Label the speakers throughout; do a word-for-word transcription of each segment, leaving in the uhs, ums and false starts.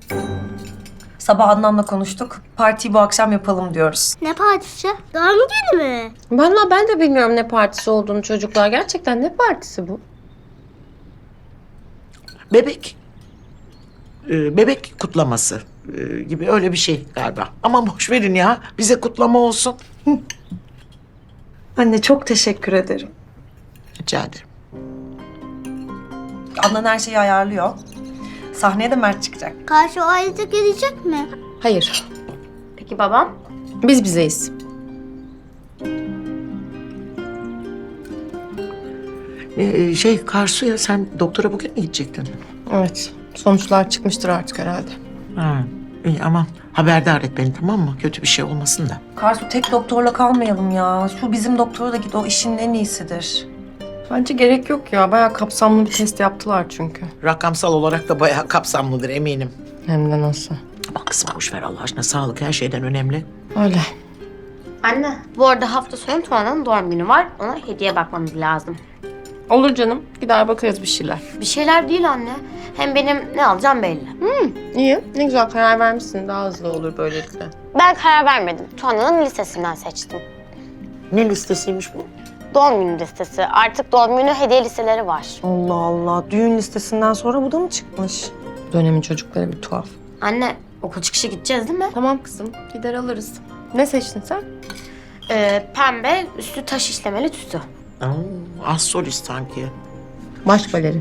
Speaker 1: Sabah Adnan'la konuştuk. Partiyi bu akşam yapalım diyoruz.
Speaker 2: Ne partisi? Doğum günü mü?
Speaker 3: Vallahi ben de bilmiyorum ne partisi olduğunu çocuklar. Gerçekten ne partisi bu?
Speaker 4: Bebek. Ee, bebek kutlaması ee, gibi öyle bir şey galiba. Ama boş verin ya. Bize kutlama olsun.
Speaker 1: Anne çok teşekkür ederim.
Speaker 4: Rica ederim.
Speaker 1: Adnan her şeyi ayarlıyor. Sahneye de Mert çıkacak.
Speaker 2: Karşı o ailede gelecek mi?
Speaker 3: Hayır. Peki babam? Biz bizeyiz.
Speaker 4: Ee, şey Karsu'ya sen doktora bugün mü gidecektin?
Speaker 3: Evet. Sonuçlar çıkmıştır artık herhalde.
Speaker 4: Ha, iyi aman haberdar et beni, tamam mı? Kötü bir şey olmasın da.
Speaker 1: Karsu tek doktorla kalmayalım ya. Şu bizim doktora da git, o işin en iyisidir.
Speaker 3: Bence gerek yok ya. Bayağı kapsamlı bir test yaptılar çünkü.
Speaker 4: Rakamsal olarak da bayağı kapsamlıdır eminim.
Speaker 3: Hem de nasıl?
Speaker 4: Ama kızım boş ver Allah aşkına, sağlık her şeyden önemli.
Speaker 3: Öyle.
Speaker 5: Anne, bu arada hafta sonu Tuana'nın doğum günü var. Ona hediye bakmamız lazım.
Speaker 3: Olur canım. Gider bakarız bir şeyler.
Speaker 5: Bir şeyler değil anne. Hem benim ne alacağım belli.
Speaker 3: İyi. Ne güzel karar vermişsin. Daha hızlı olur böylelikle.
Speaker 5: Ben karar vermedim. Tuana'nın listesinden seçtim.
Speaker 4: Ne listesiymiş bu?
Speaker 5: Doğum günü listesi. Artık doğum günü hediye listeleri var.
Speaker 1: Allah Allah. Düğün listesinden sonra bu da mı çıkmış?
Speaker 3: Dönemin çocukları bir tuhaf.
Speaker 5: Anne, okul çıkışı gideceğiz değil mi?
Speaker 3: Tamam kızım. Gider alırız. Ne seçtin sen?
Speaker 5: Ee, pembe, üstü taş işlemeli tütü.
Speaker 4: Oo, az solist sanki.
Speaker 3: Baş balerin.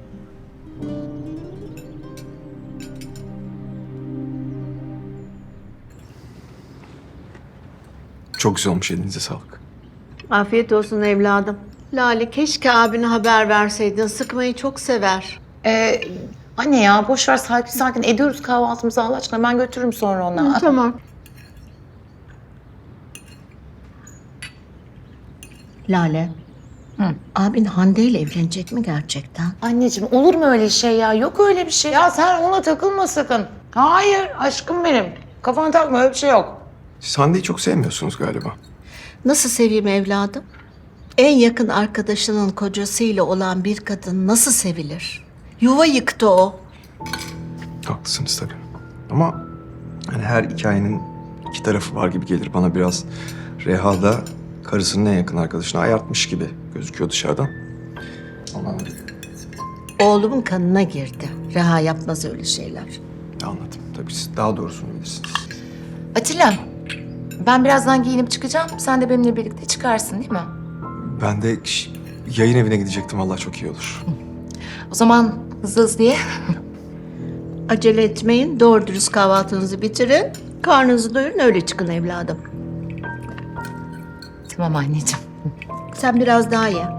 Speaker 6: Çok güzel olmuş, elinize sağlık.
Speaker 7: Afiyet olsun evladım. Lale keşke abine haber verseydin. Sıkmayı çok sever.
Speaker 8: Ee, anne ya boş ver, sakin sakin ediyoruz kahvaltımızı Allah aşkına. Ben götürürüm sonra ona.
Speaker 7: Hı, tamam. Lale. Abin Hande ile evlenecek mi gerçekten?
Speaker 8: Anneciğim olur mu öyle şey ya? Yok öyle bir şey. Ya sen ona takılma sakın. Hayır aşkım benim. Kafana takma, öyle bir şey yok.
Speaker 6: Siz Hande'yi çok sevmiyorsunuz galiba.
Speaker 7: Nasıl seveyim evladım? En yakın arkadaşının kocasıyla olan bir kadın nasıl sevilir? Yuva yıktı o.
Speaker 6: Haklısınız tabii. Ama hani her hikayenin iki tarafı var gibi gelir bana biraz. Reha da karısının en yakın arkadaşını ayartmış gibi gözüküyor dışarıdan. Ama
Speaker 7: Oğlumun kanına girdi. Reha yapmaz öyle şeyler.
Speaker 6: anladım. Tabii siz daha doğrusunu bilirsiniz.
Speaker 8: Atilla, ben birazdan giyinip çıkacağım. Sen de benimle birlikte çıkarsın değil mi?
Speaker 6: Ben de ş- yayın evine gidecektim. Vallahi çok iyi olur.
Speaker 8: O zaman hızlı hızlı ye.
Speaker 7: Acele etmeyin. Doğru dürüst kahvaltınızı bitirin. Karnınızı doyurun, öyle çıkın evladım.
Speaker 8: Tamam anneciğim.
Speaker 7: Sen biraz daha ye.